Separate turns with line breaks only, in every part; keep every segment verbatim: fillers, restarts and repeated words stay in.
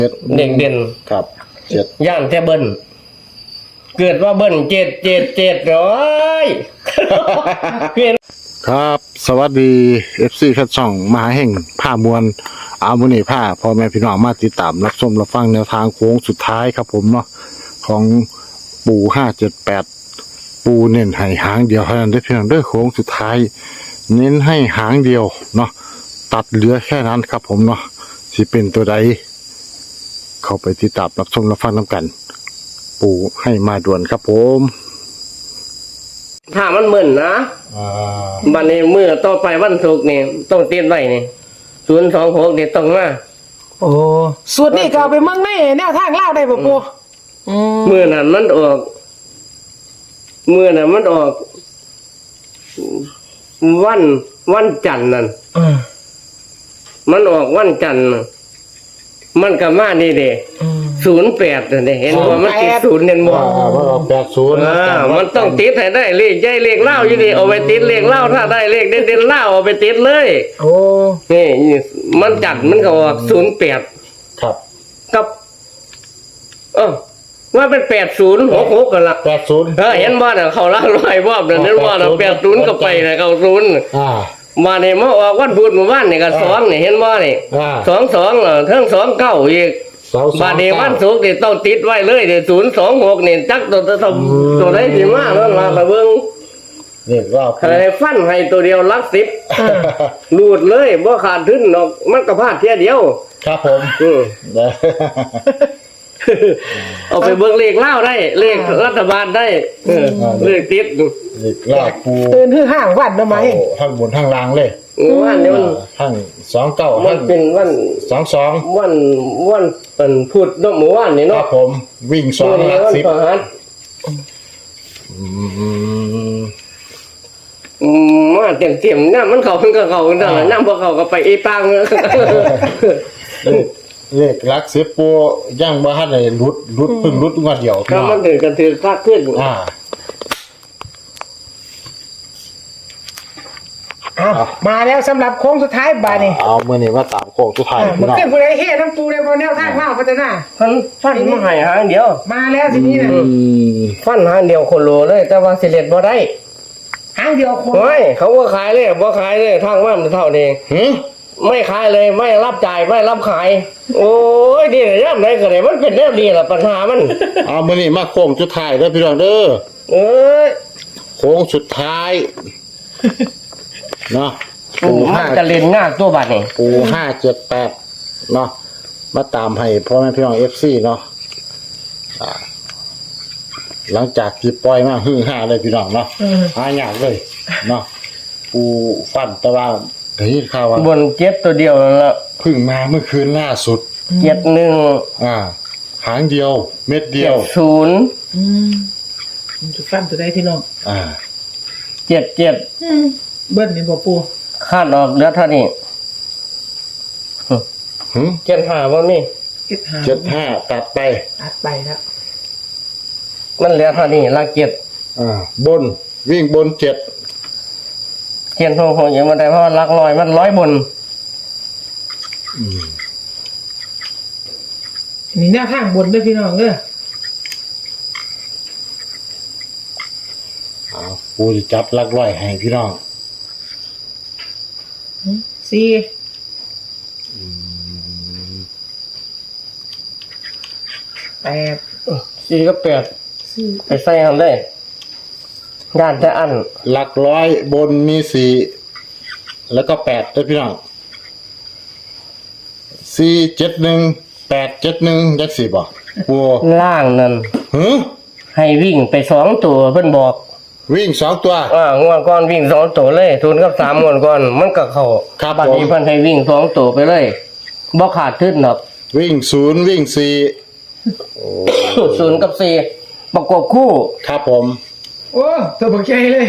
เด็กเด่น
ครับเจ็ด
ย่านแต่เบิ้ลเกิดว่าเบิ้ลเจ็ดเจ็ดเจ็ดร้อยเพียน
ครับสวัสดีเอฟซีคัดช่องมหาแห่งผ้ามวลอามุนีผ้าพ่อแม่พี่น้องมาติดตามรับชมรับฟังแนวทางโค้งสุดท้ายครับผมเนาะของปูห้าเจ็ดแปดปูเน้นให้หางเดียวเท่านั้นได้เพียงเด้อโค้งสุดท้าย เน้นให้หางเดียวเนาะตัดเหลือแค่นั้นครับผมเนาะสิเป็นตัวใดเข้าไปติดตามรับชมรับฟังน้ำกัน ปูให้มาด่วนครับผม
ถ้ามันมึนนะ
อ่า
บันนี้เมื่อต่อไปวันศุกร์นี่ต้องเตรียมไว้นี่ศูนย์สองหกนี่ต้องมา
โอ้สูตรนี้ก็เอาไปเมืองในแนวทางเล่าวได้บ่ปูอืม
เมื่อนั้นมันออกเมื่อนั้นมันออก วันวันจันทร์นั่น
อืม
มันออกวันจันทร์น่ะมันก็มานี่เด้
อืม
ศูนย์แปดนี่เห็นว่ามันติดศูนย์เห็นบ่
อ่าว่าเราแปดศูนย์
อ่ามันต้องติดให้ได้เลขใหญ่เลขเล่าอยู่ดีเอาไปติดเลขเล่าถ้าได้เลขเด่นๆเล่าเอาไปติดเลย
โอ้
นี่มันจัดมันก็ออกศูนย์แปด
ครับ
กับ เออว่าเป็นแปดศูนย์หกหกกันละ
แปดศูนย์
เออเห็นบ่น่ะเขาเล่าร้อยบ่นั่นนั่นว่าน่ะแปดศูนย์ก็ไปน่ะเขาศูนย์
อ่า
มาเนี่ยมาออกวันพุธเมื่อวานนี่ก็สองนี่เห็นบ่นี่
อ่า
สองสองเหรอเทั้งสองเก้าอีก
สองสอง
บาดนี้วันศุกร์นี่ต้องติดไว้เลยเดี๋ยวศูนย์สองหกนี่จักตัวตัวตัวตัวไหนสิมาแล้วล่ะละเบิ่ง
นี่รอบ
ให้ฟันให้ตัวเดียวหลักสิบรูดเลยบ่ขาดทุนหรอกมันก็พลาดเที่ยเดียว
ครับผม
อืม
เด้อ
เอาไปเบิ่งเลขเล่าได้ เลขรัฐบาลได้เออเลขติด
นี่รอบปู
ตื่นฮือห้างวันทำไม
เอาทั้งบนทั้งล่างเลย
วันนี้มัน
ทั้งสองเก้า
มั
ทั้
น
ง
เป็นวัน
สองสอง
วันวันเป็นพุธเนาะเมื่อวานนี่
ครั
เนาะ
บผมวิ่งสอง
นี้
หลัก
วัน
สิบ
พฤหัส
อืม
อืมมาเต็มเต็มๆน้ำมันเขามันก็เขานั่นแหละน้ำพอเขาก็ไปอีปัง
เลขหลักสิบปูย่างบ้านเลยรุดรุดพึ่งรุดงวดเดียว
ก็มันถึงกันถือคักขึ้น
อ่า
อ้าวมาแล้วสำหรับโค้งสุดท้ายบาดนี้
เอาเมื่อนี้ว่าตามโค้งสุดท้าย
อ่า
พี่
มัน
น้อง
ขึ้นผู้ใดเฮ็ดน้ำปูได้บ่แนวทางเล่าวพัฒนา
ฟันฟันมาใหายหางเดียว
มาแล้วทีนี้นะ
อืม
ฟันหางเดียวคนโลเลย แต่ว่าสิเล็ดบ่ได้
หางเดียวคน
โอ้ยเขาว่าขายเลยบ่ขายเลยทางว่ามันเท่านี้
หืม
ไม่ขายเลยไม่รับจ่ายไม่รับขาย โอ้ยดีเลยย่ำไหนก็ได้มันเป็นแนวดีล่ะปัญหามัน
เอามื่อนี้มาโค้งสุดท้ายเด้อพี่น้องเด้อ
เอ้ย
โค้งสุดท้ายเนาะ
ปู
ปู
มั
ห้าน
จะเล่นงานตัวบัดนี่
ปูห้าเจ็ดแปดเนาะมาตามให้พ่อแม่พี่น้องเอฟซีเนาะอ่าหลังจากที่ปล่อยมาฮือห้าเลยพี่น้องเนาะ
อืม
หายากเลยเนาะปูฟันแต่ว่าได้ยินข่าวว่า
บนเจ็ดตัวเดียวนั่นละ
เพึ่งมาเมื่อคืนล่าสุด
เจ็ดหนึ่ง
อ่า หางเดียว เม็ดเดี
เจ็
ยว
ดศูนย์
อืมมันจะฟันตัวใดพี่น้อง
อ่า
เจ็ดเจ็ด
อืมเบิ้ลนี่บ่ปู
คาดออกเหลือเท่านี้
หึ
เจ็ดห้าบ่มี
เจ็ดหา
เจ็ดห้าตัดไป
ตัดไปแล้ว
มันเหลือเท่านี้ละเจ็ด
อ่า บนวิ่งบนเจ็ด
เขียนโทรโหอย่างมันได้เพราะว่าหลักร้อยมันร้อยบน
อืม
นี่แนวทางบนเด้อพี่น้องเด้อ
อ่าปูจะจับลักร้อยให้พี่น้อง
สี่แปด
สี่ก็แปด
สี่
ไปใส่ทำได้ด้านแต่อัน
หลักร้อยบนมีสี่แล้วก็แปดด้วยพี่น้องสี่เจ็ดหนึ่งแปดเจ็ดหนึ่งยักษ์สี่บ่ปู
ล่างนั่น
หือ
ให้วิ่งไปสองตัวเพิ่นบอก
วิ่งสองตัว
อ่างวดก่อนวิ่งสองตัวเลยทุนกับสามงวดก่อนมันก็เข้า
ครับ
บัดนี้
ผม
เพิ่นให้วิ่งสองตัวไปเลยบ่ขาดทุนหรอก
วิ่งศูนย์วิ่งสี่
ศูนย์กับสี่ประกบคู่
ครับผม
โอ้ตัวบักใจเลย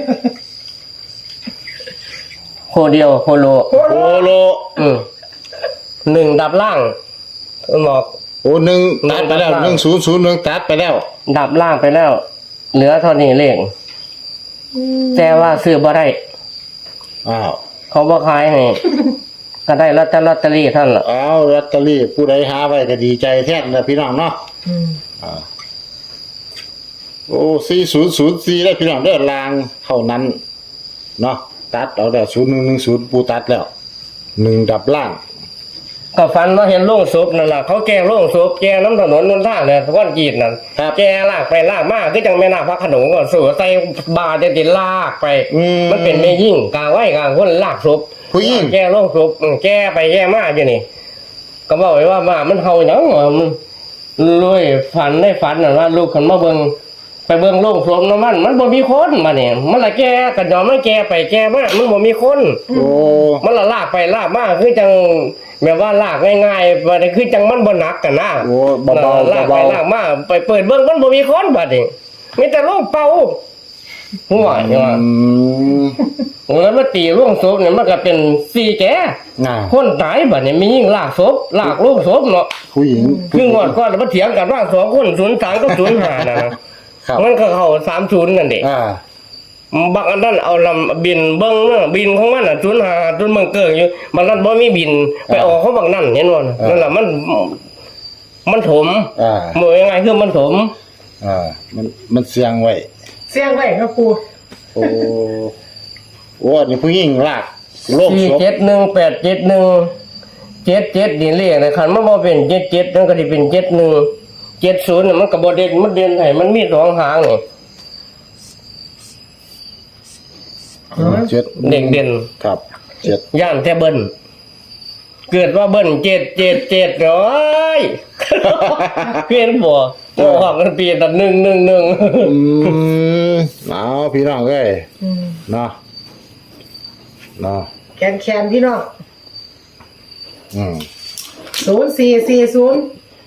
โคเดียวโคโล
โอ้
โอโล
อืมหนึ่งดับล่างเพิ่นบอก
โอ้หนึ่งตัดไปแล้วหนึ่งศูนย์ศูนย์หนึ่งตัดไปแล้ว
ดับล่างไปแล้ว เหลือเท่านี้เลขแต่ว่าซื้อบ่ได้
อ้าว
เขาบ่ขายให้ก็ได้ลอตเตอรี่ลอตเตอรี่เท่านนล่ะ
เอาลอตเตอรี่ผู้ใดหาไว้ก็ดีใจแท้นะพี่น้องเนาะ
อืม
อ่าโอ้สี่ศูนย์ศูนย์สี่ได้พี่น้องเด้อลางเท่านั้นเนาะตัดเอาแต่ศูนย์หนึ่งหนึ่งศูนย์ปูตัดแล้วหนึ่งดับล่าง
ก็ฝันว่าเห็นโล่งศพนั่นล่ะเขาแก้โล่งศพแก้น้ำถนนนนทางเนี่ยก้อนกีดนั่น
ครับ
แก้ลากไปลากมาคือจังแม่นาคพระโขนงก็สู่ใส่บาจะติดลากไป
อืม
มันเป็นแม่ยิ่งกลางไว้กลางคนลากศพ
ผู้หญิง
แก้โล่งศพอืมแก้ไปแก้มาอยู่นี่ ก็บอกไว้ว่ามามันเฮาหยังวะมันรวยฝันได้ฝันน่ะว่าลูกคนมาเบิ่งไปเบิ่งโล่งศพน้ำมันมันบ่มีคนมาเนี่ยมันละแก้กันยอมไม่แก้ไปแก้มามันบ่มีคน
โอ้
มันละลากไปลากมาคือจังแบบว่าลากง่ายๆบัดนี้คือจังมันบ่หนักกันนะ
โหเบา
ลาก
ๆ
ไป
เบา
ลากมาไปเปิดเบิ่งมันบ่มีคนบัดนี้มีแต่โรคเป่าหัว
ๆ
เนี่ยว่า
อืม
แล้วมาตีร่วงศพเนี่ยมันก็เป็นสี่แก่
น่ะ
คนตายบัดนี้มียิ่งลากศพลากลูกศพเนาะ
ผู้หญิง
คืองอดก่อนแล้วมาเถียงกันว่าสองคนศูนย์สามกับศูนย์ห้าน่ะนะครับ มันก็เข้าสามศูนย์นั่นเด้
อ่า
บางอันนั้นเอาลำบินเบิ้งเนาะบินของมันอ่ะจุนหาจุนเมืองเกิงอยู่บางนั้นบ่มีบินไปออกเขาบางนั่นเห็นบ่น่ะนั่นแหละมันมันถม
อ่า
หมวยยังไงคือมันถม
อ่ามันมันเสียงไว้
เสียงไว้ครับปู
โอ้โอ้นี่ผู้หญิงลากโลก
สี่
ศพ
เจ็ดหนึ่งแปดเจ็ดหนึ่งเจ็ดเจ็ดนี่เลขนะคันมันบ่เป็นเจ็ดเจ็ดนั่นก็สิเป็นเจ็ดหนึ่งเจ็ดศูนย์น่ะมันก็บ่เด่นมันเด่นให้มันมีสองหางนี่
เจ็ด
เด่นเด่น
ครับเจ็ด
ย่านแต่เบิ้นเกิดว่าเบิ้นเจ็ดเจ็ดเจ็ดร้อยเพี้ยนบ่โอ้หอกกันปีแต่หนึ่งหนึ่งหนึ่ง
อืมเอาพี่น้องเอ้ย
อืม
เนาะเนาะ
แคนแคนพี่น้อง
อืม
ศูนย์สี่สี่ศูนย์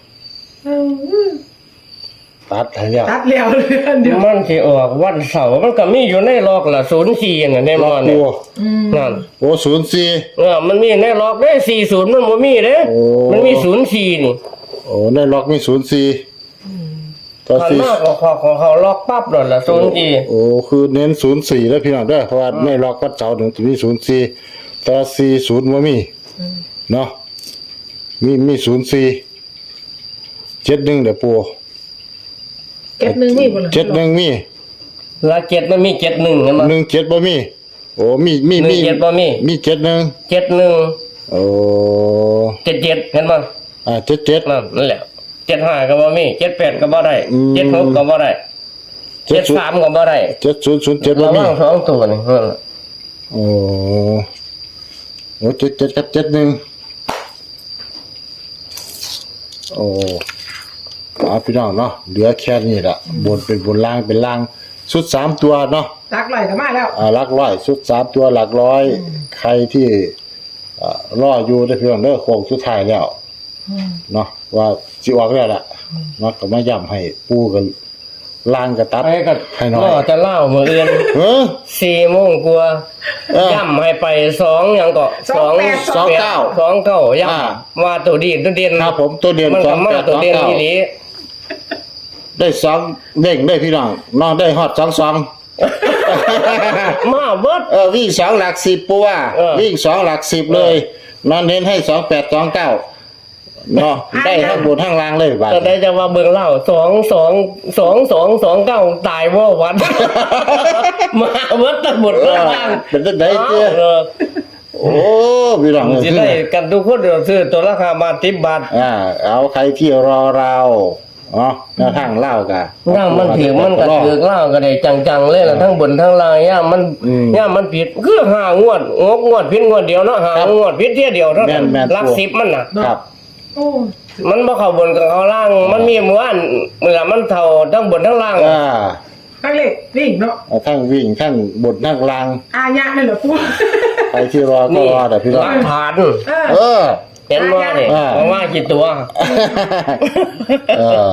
ตัดให้แล้ว
ตัดแล้วเลยเดี๋ยว
มันสิออกวันเสาร์มันก็มีอยู่ในล็อกละศูนย์สี่น่ะในมอ
โอ้
เนี่ย
อืม
นั่น
โอ้ศูนย์สี่
เออมันมีในล็อกได้สี่ศูนย์มันบ่มีเด้
โอ้
มันมีศูนย์สี่นี่
โอ้ในล็อกมีศูนย์สี่ต่อ
คัน
สี่
มากของเขาของเขาล็อกปั๊บโดนละศูนย์สี่
โอ้คือเน้นศูนย์สี่แล้วพี่น้องเด้อเพราะว่าในล็อกวัดเจ้าหนึ่งจะมีศูนย์สี่ต่อสี่ศูนย์ว่ามีเนาะมีมีศูนย์สี่เจ็ดหนึ่งเดี๋ยวปู
เก็บหนึ่งมีบ่ล่ะ
เจ็ดหนึ่งมี
ละเจ็ดมันมีเจ็ดหนึ่งเห็นบ่
หนึ่งเจ็ดบ่มีโอ้มีมี
หนึ่
มี
งเจ็ดบ่มี
มีเจ็ดหนึ่ง
เจ็ดหนึ่ง
โอ้
เจ็ดเจ็ดเห็นบ่
อ่าเจ็ดเจ็ด
นั่นนั่นแหละเจ็ดห้าก็บ่มีเจ็ดแปดก็บ่ได้
อืม
เจ็ดหกก็บ่ได้
เจ็
เจ็
ด
ด
ศูนย์
สามก็บ่ได้
เจ็ดศูนย์ศูนย์เจ็ดบ่
ระ
มี
วังสองตัวนี่นั่นแหละ
โอ้โอ้เจ็ดเจ็ดกับเจ็ดหนึ่งโอ้เอาพี่น้องเนาะเหลือแค่นี้ละบนเป็นบนล่างเป็นล่างชุดสามตัวเนาะ
ตักไหลก็มาแล้ว
อ่าหลักร้อยชุดสามตัวหลักร้อย ใครที่อ่ารออยู่ได้เพียงเด้อโค้งสุดท้ายแล้ว
อืม
เนาะว่าสิออกแล้วล่ะเนาะก็มาย้ำให้ปูกันล่างกระตัด
ไอ้ก็
ให้หน่อย
ก็จะเล่ามื้ออื่น
เออ
สี่โมงกว่า
เออ
ย่ำให้ไปสองหยังก็
สองแปด
สองเก้า
สองเก้าย่
อ่า
ำว่าตัวดีตัวเด่น
ครับผมตัวเดียน
มัน
สอ
ก็
ง
มา
แปด
ตั
ส
ว
อง
เด่น
เก้า
อีหลี
ได้สองเด้งได้พี่น้องน้องได้ฮอดสองสอง
มาเบิด
เออวิ่งสองหลักสิบปูว่า
เออ
วิ่งสองหลักสิบเลยนอนเน้นให้สองแปดสองเก้าเนาะได้ทั้งบนทั้งล่างเลยบาด
ก็ได้จะว่าเบิ่งเล่าสองสองสองสองสองเก้าตายว่าวัน มาเบิดทั้งหมด
เอ
ทั้
อง
ล่าง
เป็นจังไดเจ้
เออ
โอ้พี่น้อง
สิได้กันทุกคนเดี๋ยวซื้อตัวราคามาสิบบาท
อ่าเอาใครที่รอเราเนาะแนวทางเล่ากะ
ย่ามมันถือมันก็ถือเล่าก็ได้จังๆเลยล่ะทั้งบนทั้งล่างย่ามมัน
อืม
ย่ามมันผิดคือหางวดงกงวดผิดงวดเดียวเนาะหางวดผิดเที่ยเดียวเท่านั้น
แม่นๆ
หลักสิบมันน่ะ
ครับ
โอ้
มันบ่เข้าบนกับเข้าล่าง มันมีหมู่อันเมื่อมันเท่าทั้งบนทั้งล่าง
อ่า
ทั้งเล็กวิ่งเนาะ
เอาทั้งวิ่งทั้งบนทั้งล่าง
อาญะนั่นเหรอปู
ใครที่รอก็
นี่
รอแต่พี่น้
ห
อง
ลักฐาน
เออ
เออ
เห็นบ่นี่
อ่า
ว่าว่ากี่ตัว
เออ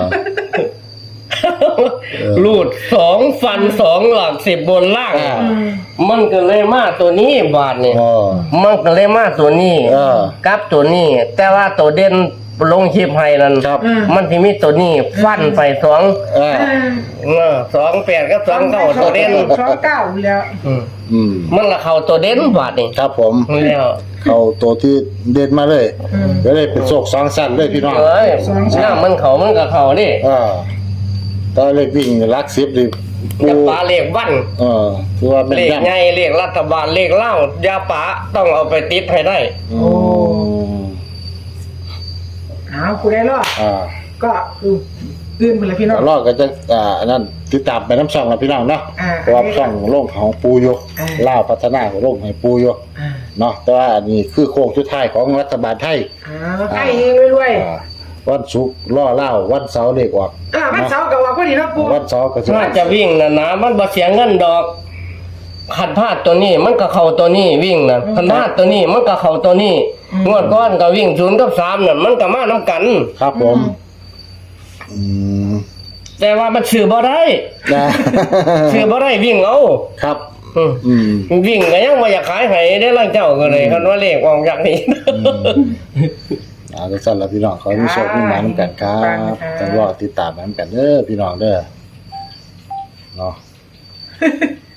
รูดสองฟันสองหลักสิบบนล่าง
อ่า
มันก็เลยมาตัวนี้บาทนี่
อ๋อ
มันก็เลยมาตัวนี้
เออ
กับตัวนี้ แต่ว่าตัวเด่นลงคลิปให้นั่น
ครับ
มันสิมีตัวนี้ฟันไปสอง
เออ
เออสองแปดกับสองเก้าตัวเด่น
สองเก้าแล้ว
อืม
อืม
มันละเข้าตัวเด่นบาดนี่
ครับผม
แล้ว
เข้าตัวที่เด่นมาเลยก็เลยเป็นโศกสองสั้นเลยพี่น้อง
เอ้ยน้ามันเข้ามันก็เข้าดิ
อ่าตอนเลขวิ่งลักสิบดิปู
จะปาเลขวัน
เออคือว่าเป็น
เลข
ย่ำ
ใหญ่เลขรัฐบาลเลขเล่ายาปาต้องเอาไปติดให้ได้
อืม
อ้าวคุณได้รอด
อ่า
ก็คือตื่นไปเลยพี่น้อง
รอดก็จะอ่าอันนั้นติดตามไปน้ำช่องแล้วพี่น้องเนาะ
อ่า
เพราะว่าช่องโล่งของปูอยก
อ่า
ล่าวพัฒนาของโล่งให้ปูอยก
อ่า
เนาะแต่ว่าอันนี้คือโค้งสุดท้ายของรัฐบาลไทย
อ่าใกล้เองรวย
อ่าวันศุกร์ล่อเล่าวันเสาร์เลขออก
ๆอ่าวันเสาร์กับว่าพอดีเนาะปู
วันเสาร์ก็จะ
ถ้าจะวิ่งนะนะมันบ่เสียเงินดอกขันพลาดตัวนี้มันก็เข้าตัวนี้วิ่งนะขันพลาดตัวนี้มันก็เข้าตัวนี้งวดก้อนก็วิ่งศูนย์กับสามน่ะมันก็มาน้ำกัน
ครับผมอืม
แต่ว่ามันซื้อบ่ได้
นะ
ซื้อบ่ได้วิ่งเอา
ครับ
อืม
อืม
วิ่งก็ยังบ่อยากขายให้ได้ล่างเจ้าก็เลยคันว่าเลขออกจากนี้
อ่าทุกท่านแล้วพี่น้องขอให้มีโชคมีหมายน้ำกันครับจะรอติดตามน้ำกันเด้อพี่น้องเด้อเนาะ